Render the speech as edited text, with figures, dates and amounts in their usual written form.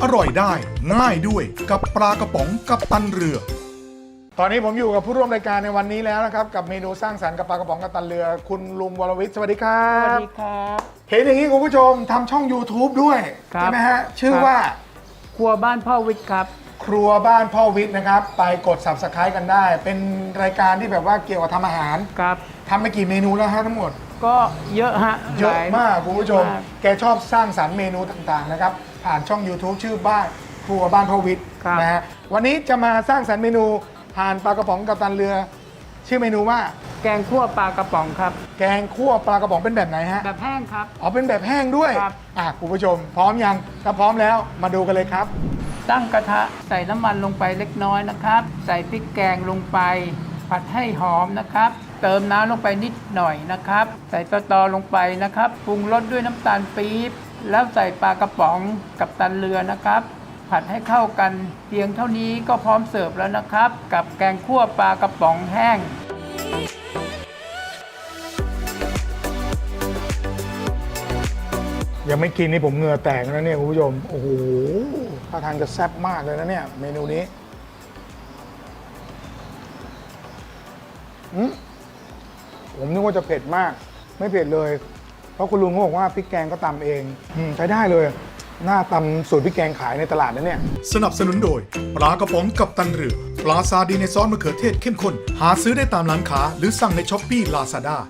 อร่อยได้ง่ายด้วยกับปลากระป๋องกัปตันเรือตอนนี้ผมอยู่กับผู้ร่วมรายการในวันนี้แล้วนะครับกับเมนูสร้างสรรค์กับปลากระป๋องกัปตันเรือคุณลุงวรวิทย์สวัสดีครัสวับสดีครับเห็นอย่างนี้คุณผู้ชมทำช่อง YouTube ด้วยครับใช่ไหมฮะชื่อว่าครัวบ้านพ่อวิทย์ครับครัวบ้านพ่อวิทย์นะครับไปกด Subscribe กันได้ เป็นรายการที่แบบว่าเกี่ยวกับทำอาหารครับทำไปกี่เมนูแล้วฮะทั้งหมดก็เยอะฮะเยอะมากคุณผู้ชมมากแกชอบสร้างสรรค์เมนูต่างๆนะครับผ่านช่อง YouTube ชื่อบ้านครัวบ้านพ่อวิทย์ครับนะฮะวันนี้จะมาสร้างสรรค์เมนูผ่านปลากระป๋องกัปตันเรือ ชื่อเมนูว่าแกงคั่วปลากระป๋องครับแกงคั่วปลากระป๋องเป็นแบบไหนฮะแบบแห้งครับอ๋อเป็นแบบแห้งด้วยครับคุณผู้ชม พร้อมยังถ้าพร้อมแล้วมาดูกันเลยครับตั้งกระทะใส่น้ำมันลงไปเล็กน้อยนะครับ ใส่พริกแกงลงไป ผัดให้หอมนะครับ เติมน้ำลงไปนิดหน่อยนะครับ ใส่ตอลงไปนะครับปรุงรสด้วยน้ำตาลปี๊บแล้วใส่ปลากระป๋องกับตันเรือนะครับ ผัดให้เข้ากันเพียงเท่านี้ก็พร้อมเสิร์ฟแล้วนะครับ กับแกงคั่วปลากระป๋องแห้งยังไม่กินนี่ผมเหงื่อแตกแล้วเนี่ยคุณผู้ชมโอ้โหท่าทางจะแซ่บมากเลยนะเนี่ยเมนูนี้ผมนึกว่าจะเผ็ดมากไม่เผ็ดเลย เพราะคุณลุงเขาบอกว่าพริกแกงก็ตำเองใช้ได้เลยหน้าตำสูตรพริกแกงขายในตลาดนะเนี่ยสนับสนุนโดยปลากระป๋องกัปตันเรือปลาซาดีในซอสมะเขือเทศเข้มข้นหาซื้อได้ตามร้านค้าหรือสั่งในช้อปปี้ลาซาด้า